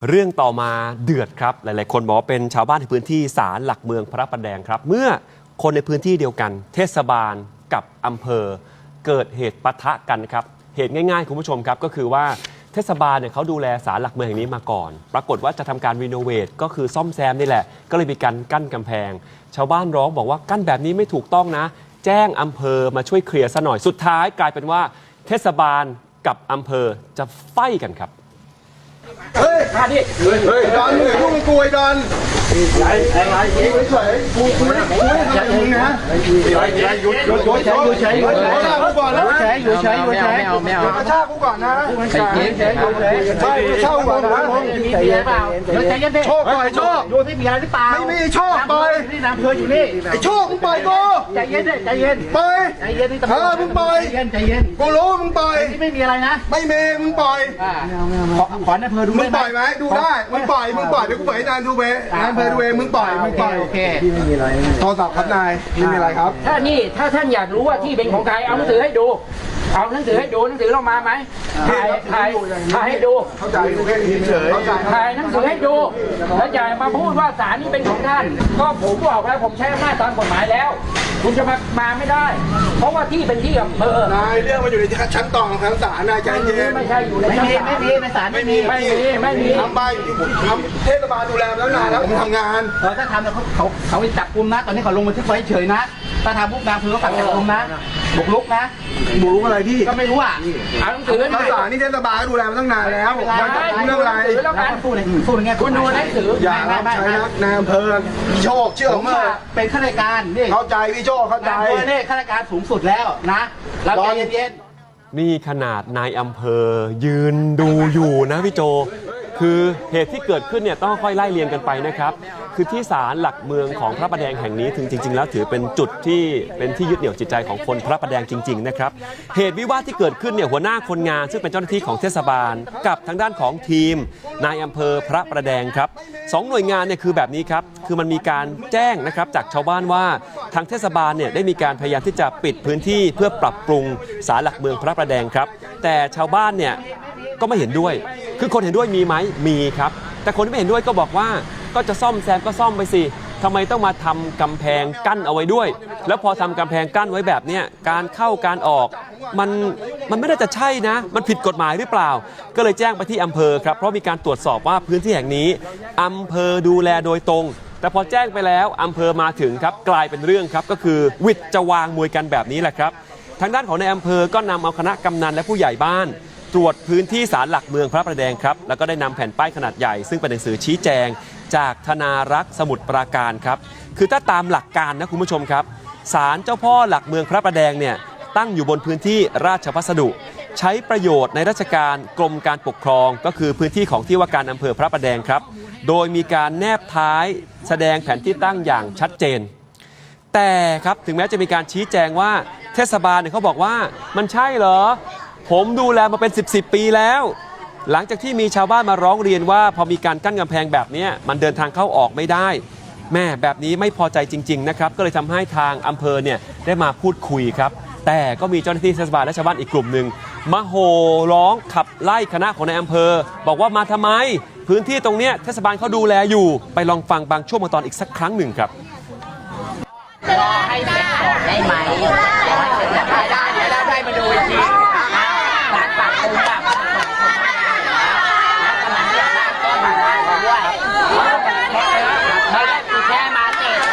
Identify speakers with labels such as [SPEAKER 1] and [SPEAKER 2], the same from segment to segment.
[SPEAKER 1] เรื่องต่อมาเดือดครับหลายๆคนบอกว่าเป็นชาวบ้านในพื้นที่ศาลหลักเมืองพระประแดงครับเมื่อคนในพื้นที่เดียวกันเทศบาลกับอำเภอเกิดเหตุปะทะกันครับเหตุง่ายๆคุณผู้ชมครับก็คือว่าเทศบาลเนี่ยเขาดูแลศาลหลักเมืองแห่งนี้มาก่อนปรากฏว่าจะทำการรีโนเวทก็คือซ่อมแซมนี่แหละก็เลยมีการกั้นกำแพงชาวบ้านร้องบอกว่ากั้นแบบนี้ไม่ถูกต้องนะแจ้งอำเภอมาช่วยเคลียร์ซะหน่อยสุดท้ายกลายเป็นว่าเทศบาลกับอำเภอจะไฟกันครับ
[SPEAKER 2] เฮ้ยมาดิเฮ้ยดอนมึงกูไอ้ดอนอะไรเฉยกูไม่ได้จะยิงนะหยุดเฉยกูก่อนนะอยู่เฉยไม่เอากระชากกูก่อนนะเฉยใช่กระชากกูก่อนนะ
[SPEAKER 3] มีเบียร์เปล่าใจเย็นดิ
[SPEAKER 2] โชคปล่อยโชค
[SPEAKER 3] ดูที่มีอะไรหรือเปล่า
[SPEAKER 2] ไม่มีโชคปล่อย
[SPEAKER 3] นี่น้ำเพลอยู่นี่
[SPEAKER 2] ไอ้โชคมึงปล่อยกู
[SPEAKER 3] ใจเย็นดิใจเย็น
[SPEAKER 2] ปล่อย
[SPEAKER 3] ใจเย็นนี่ตำรวจ
[SPEAKER 2] มึงปล่อย
[SPEAKER 3] ใจเย็น
[SPEAKER 2] กูรู้มึงปล่อย
[SPEAKER 3] นี่ไม่มีอะไรนะ
[SPEAKER 2] ไม่มีมึงปล่อย
[SPEAKER 3] ขอน้ำเพลดู
[SPEAKER 2] มึงปล่อยไหมดูได้มึงปล่อยเดี๋ยวกูปล่อยนานดูเว้นายเพลดูเองมึงปล่อย
[SPEAKER 3] โอเค
[SPEAKER 2] ไม่มีอะไรโทรศัพท์ครับนายไม่มีอะไรครับ
[SPEAKER 3] ถ้าท่านอยากรู้ว่าที่เป็นของใครเอาหนังสือให้ดูเอาหนังสือให้ดูหนังสือเรามาไหมถ่ายให้ดู
[SPEAKER 2] เข้าใจดูแค่นี้เฉย
[SPEAKER 3] ถ่ายหนังสือให้ดูแล้วอย่ามาพูดว่าศาลนี้เป็นของท่านก็ผมบอกแล้วผมใช้อำนาจตามกฎหมายแล้วคุณจะมาไม่ได้เพราะว่าที่เป็นที่อำเภอน
[SPEAKER 2] ายเรื่องมันอยู่ในชั้นต่อของศาลนายใจเย็น
[SPEAKER 3] ไม่ใช่อยู่ในชั้นไม่มีในศาลไม่มี
[SPEAKER 2] ทำใบทำเทศบาลดูแลแล้วนานแล้วผมทำงาน
[SPEAKER 3] ถ้าทำแล้วเขาจับกุมนะตอนนี้เขาลงบันทึกไว้เฉยนะถ้าทำพวกนางคือเขาสั่งจับกุมนะบุกรุกนะ
[SPEAKER 2] บุกรุกอะไรพี่
[SPEAKER 3] ก็ไม่รู้อ่ะเอาหนังสือ
[SPEAKER 2] ภาษานี่เทศบาลก็ดูแลมาตั้งนานแล้วมาจับเรื่องอะไร
[SPEAKER 3] แล้วการสู้ในแง่คุณดูหนังสือ
[SPEAKER 2] อย่าใช้นายอำเภอพี่โชคเชื่อผม
[SPEAKER 3] เป็นข้าราชการนี่
[SPEAKER 2] เข้าใจพี่โชคเข้าใจ
[SPEAKER 3] นี่ข้าราชการสูงสุดแล้วนะเราใจเย็น
[SPEAKER 1] นี่ขนาดนายอำเภอยืนดูอยู่นะพี่โจคือเหตุที่เกิดขึ้นเนี่ยต้องค่อยไล่เรียงกันไปนะครับคือที่ศาลหลักเมืองของพระประแดงแห่งนี้ถึงจริงๆแล้วถือเป็นจุดที่เป็นที่ยึดเหนี่ยวจิตใจของคนพระประแดงจริงๆนะครับเหตุวิวาทที่เกิดขึ้นเนี่ยหัวหน้าคนงานซึ่งเป็นเจ้าหน้าที่ของเทศบาลกับทางด้านของทีมนายอำเภอพระประแดงครับสองหน่วยงานเนี่ยคือแบบนี้ครับคือมันมีการแจ้งนะครับจากชาวบ้านว่าทางเทศบาลเนี่ยได้มีการพยายามที่จะปิดพื้นที่เพื่อปรับปรุงศาลหลักเมืองพระประแดงครับแต่ชาวบ้านเนี่ยก็ไม่เห็นด้วยคือคนเห็นด้วยมีไหมมีครับแต่คนที่ไม่เห็นด้วยก็บอกว่าก็จะซ่อมแซมก็ซ่อมไปสิทำไมต้องมาทำกำแพงกั้นเอาไว้ด้วยแล้วพอทำกำแพงกั้นไว้แบบนี้การเข้าการออกมันไม่น่าจะใช่นะมันผิดกฎหมายหรือเปล่าก็เลยแจ้งไปที่อำเภอครับเพราะมีการตรวจสอบว่าพื้นที่แห่งนี้อำเภอดูแลโดยตรงแต่พอแจ้งไปแล้วอำเภอมาถึงครับกลายเป็นเรื่องครับก็คือวิทย์จะวางมวยกันแบบนี้แหละครับทางด้านของในอำเภอก็นำเอาคณะกำนันและผู้ใหญ่บ้านตรวจพื้นที่ศาลหลักเมืองพระประแดงครับแล้วก็ได้นำแผ่นป้ายขนาดใหญ่ซึ่งเป็นหนังสือชี้แจงจากธนารักษ์สมุทรปราการครับคือถ้าตามหลักการนะคุณผู้ชมครับศาลเจ้าพ่อหลักเมืองพระประแดงเนี่ยตั้งอยู่บนพื้นที่ราชพัสดุใช้ประโยชน์ในราชการกรมการปกครองก็คือพื้นที่ของที่ว่าการอำเภอพระประแดงครับโดยมีการแนบท้ายแสดงแผนที่ตั้งอย่างชัดเจนแต่ครับถึงแม้จะมีการชี้แจงว่าเทศบาลเนี่ยเขาบอกว่ามันใช่เหรอผมดูแลมาเป็น10 ปีแล้วหลังจากที่มีชาวบ้านมาร้องเรียนว่าพอมีการกั้นกำแพงแบบนี้มันเดินทางเข้าออกไม่ได้แม่แบบนี้ไม่พอใจจริงๆนะครับก็เลยทำให้ทางอำเภอเนี่ยได้มาพูดคุยครับแต่ก็มีเจ้าหน้าที่เทศบาลและชาวบ้านอีกกลุ่มหนึ่งมาโห่ร้องขับไล่คณะของนายอำเภอบอกว่ามาทำไมพื้นที่ตรงเนี้ยเทศบาลเขาดูแลอยู่ไปลองฟังบางช่วงบางตอนอีกสักครั้งหนึ่งครับ
[SPEAKER 3] รอให้เสร็จก่อนได้ไหมได้มาดูอีกทีร้านปากปูกับแค่มาเสร็จ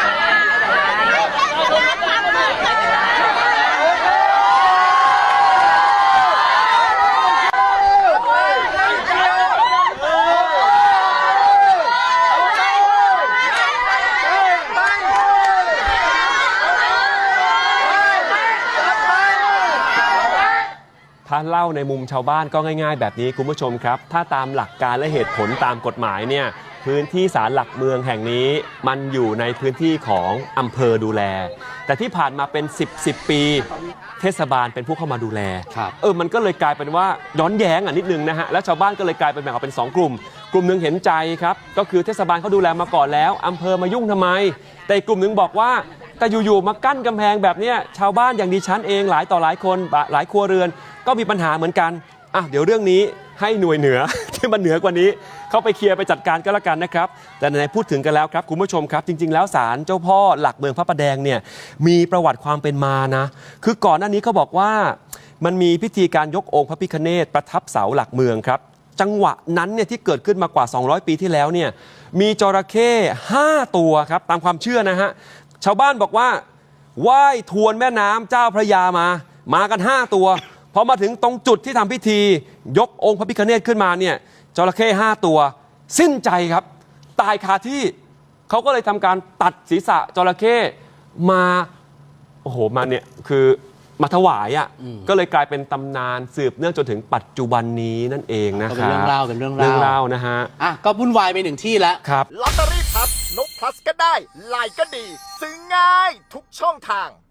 [SPEAKER 1] ถ้าเล่าในมุมชาวบ้านก็ง่ายๆแบบนี้คุณผู้ชมครับถ้าตามหลักการและเหตุผลตามกฎหมายเนี่ยพื้นที่ศาลหลักเมืองแห่งนี้มันอยู่ในพื้นที่ของอำเภอดูแลแต่ที่ผ่านมาเป็น10 ปีเทศบาลเป็นผู้เข้ามาดูแลมันก็เลยกลายเป็นว่าย้อนแย้งนิดนึงนะฮะแล้วชาวบ้านก็เลยกลายเป็นแบ่งออกเป็น2 กลุ่มหนึ่งเห็นใจครับก็คือเทศบาลเขาดูแลมาก่อนแล้วอำเภอมายุ่งทำไมแต่อีกกลุ่มนึงบอกว่าแต่อยู่ๆมากั้นกำแพงแบบนี้ชาวบ้านอย่างดิฉันเองหลายต่อหลายคนหลายครัวเรือนก็มีปัญหาเหมือนกันเดี๋ยวเรื่องนี้ให้หน่วยเหนือที่มันเหนือกว่านี้เข้าไปเคลียร์ไปจัดการก็แล้วกันนะครับแต่ไหนๆพูดถึงกันแล้วครับคุณผู้ชมครับจริงๆแล้วศาลเจ้าพ่อหลักเมืองพระประแดงเนี่ยมีประวัติความเป็นมานะคือก่อนหน้านี้เขาบอกว่ามันมีพิธีการยกองค์พระพิฆเนศประทับเสาหลักเมืองครับจังหวะนั้นเนี่ยที่เกิดขึ้นมากว่า200 ปีที่แล้วเนี่ยมีจระเข้5 ตัวครับตามความเชื่อนะฮะชาวบ้านบอกว่าว่ายทวนแม่น้ำเจ้าพระยามากัน5 ตัวพอมาถึงตรงจุดที่ทำพิธียกองค์พระพิฆเนศขึ้นมาเนี่ยจระเข้5 ตัวสิ้นใจครับตายคาที่เขาก็เลยทำการตัดศีรษะจระเข้มาโอ้โหมาเนี่ยคือมาถวายอ่ะก็เลยกลายเป็นตำนานสืบเนื่องจนถึงปัจจุบันนี้นั่นเองนะครับ
[SPEAKER 4] เป็นเรื่องเล่าเป็นเรื่อง
[SPEAKER 1] เรื่อง
[SPEAKER 4] เล่า
[SPEAKER 1] เล่านะฮะ
[SPEAKER 4] อ่ะก็วุ่นวายไปหนึ่งที่แล้ว
[SPEAKER 1] ครับ
[SPEAKER 5] ลอตเตอรี่พับนกพลัสก็ได้ไลน์ก็ดี ซื้อง่ายทุกช่องทาง